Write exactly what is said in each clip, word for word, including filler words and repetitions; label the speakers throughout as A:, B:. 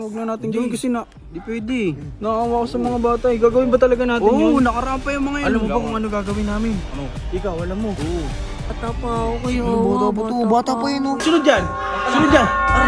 A: Huwag na natin gawin kasi na,
B: Di pwede.
A: naawa ko sa mga bata eh. Gagawin ba talaga natin
B: Oo,
A: yun?
B: nakarampa yung mga yun.
A: Alam mo ba kung ano gagawin namin?
B: Ano?
A: Ikaw, alam mo.
B: Oo.
C: Bata pa ako kayo.
D: Bata pa to, bata pa yun oh.
A: Sunod dyan! Sunod dyan!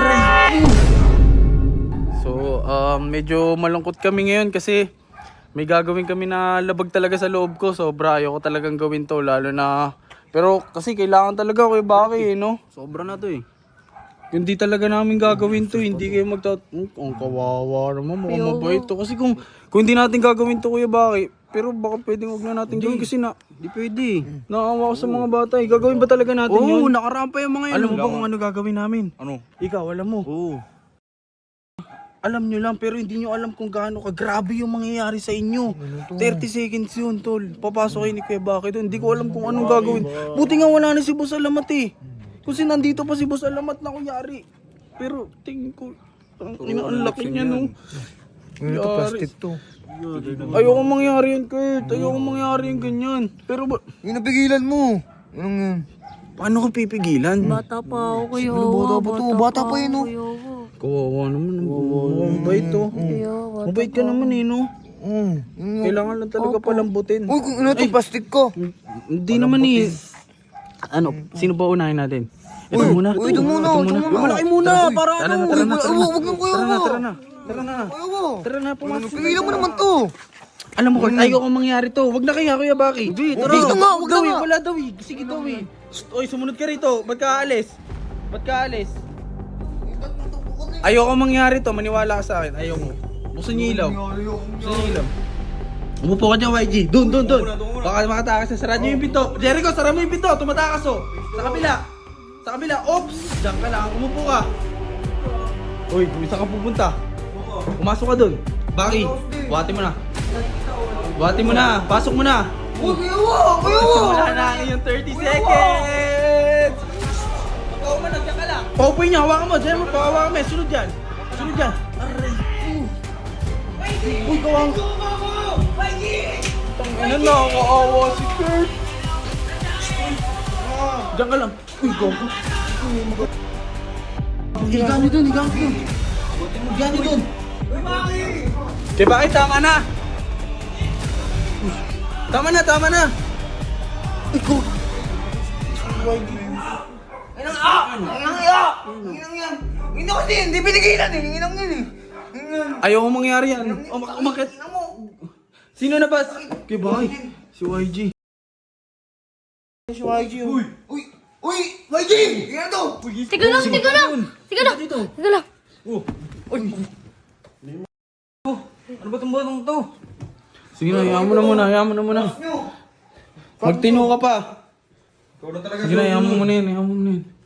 A: So, um, medyo malungkot kami ngayon kasi may gagawin kami na labag talaga sa loob ko. Sobra, ayoko talagang gawin to. Lalo na, pero kasi kailangan talaga Kuya Baki eh, no?
B: Sobra na to eh.
A: Hindi talaga namin gagawin to, hindi kayo magtat... Hmm, ang kawawa naman, mukhang mabait to. Kasi kung, kung hindi natin gagawin to Kuya Baki, pero baka pwedeng huwag na natin gawin kasi na,
B: Di pwede.
A: naawa ko sa mga bata eh. Gagawin ba talaga natin
B: Oo,
A: yun?
B: nakarampa yung mga yun.
A: Alam mo ba kung ano gagawin namin?
B: Ano?
A: Ikaw, alam mo.
B: Oo.
A: Alam nyo lang, pero hindi nyo alam kung gaano kagrabe yung mangyayari sa inyo. thirty seconds yun, tol. Papasok kayo ni Kuya Baki doon. Hindi ko alam kung anong gagawin. Buti nga wala na si Boss Alamat eh. Kasi nandito pa si Boss Alamat na kunyari. Pero tingin ko, ang ina, ang laki niya no.
D: Ano to, plastic to.
A: Ayoko mangyari yun, Kurt. Ayoko mangyari yung ganyan. Pero ba,
D: Yung napigilan mo. Anong yan?
A: paano ko pipigilan?
C: Bata pa ako kayo.
D: Ano, bata pa to? Bata pa yun, oh.
A: Kawawa naman. Ang mabait to. Mabait ka naman eh, no?
D: Mm. Yung...
A: Kailangan lang talaga palambutin.
D: Uy, kung ano to, plastic ko.
A: Hindi naman eh. Ano, sino ba unahin natin? Ito
D: Uy,
A: muna.
D: uy, ito muna, ito muna.
A: Malaki muna, para
D: Tara
A: ano.
D: na, tara na, tara na. Huwag na kuya
A: Tara na,
D: mo.
A: tara na. Tara na.
D: Kuya mo.
A: Tara na, pumasok.
D: Pigilan mo naman to.
A: Alam mo, Kurt, ayoko mangyari to. Wag na kaya, Kuya Baki. Hindi,
D: tara. Wag na nga, wag na
A: daw eh,
D: nga.
A: wala daw eh. Sige daw eh. Shh, oy, sumunod ka rito. Ba't ka aalis? Ba't ka aalis? Ayoko mangyari to, maniwala ka sa akin. Ayoko. Buksan niyo ilaw. Buksan niyo ilaw. Umupo ka dyan, Y G. Doon, doon, doon. Baka makatakas na. Sara niyo yung pinto. Jericho, sara mo yung pinto. Tumatakas oh. Sa kabila. Sa kabila. Oops! Diyan ka lang. Umupo ka. Uy, kung saan ka pupunta? Pumasok ka doon. Baki, buhati mo na. Buhati mo na. Pasok mo na.
D: Uy, kuya mo, kuya mo.
A: Wala na yung thirty seconds. Pagkaw mo, nandiyan ka lang. Paupoy niya. Hawakan mo. Diyan mo. Pahawakan mo. Sunod dyan. Sunod dyan. Aray. Uy, kawang. Tangina na, nakakaawa si Kurt. Diyan ka lang. Uy, gogo. Higaan niyo dun, higaan ko dun. Higaan niyo dun. Kaya bakit tama na? Tama na, tama na. Ikaw.
D: Inang ah! Inang iya! Inang yan! Inang kasi, hindi pinigilan eh. Inang yan eh. Inang.
A: Ayaw mo mangyari yan. Umak umakit.
D: Inang mo.
A: Sino na ba? Kaya bakit? Si Y G.
D: Si Y G. Uy! Uy! Uy! Y G! Yan to!
C: Tiga lang, tiga lang. Tiga lang. Tiga lang.
A: Ano ba itong batang to? Sige na, hayaan mo na muna, hayaan mo na muna. Magtino ka pa. Sige na, hayaan mo muna yan, hayaan mo muna yan.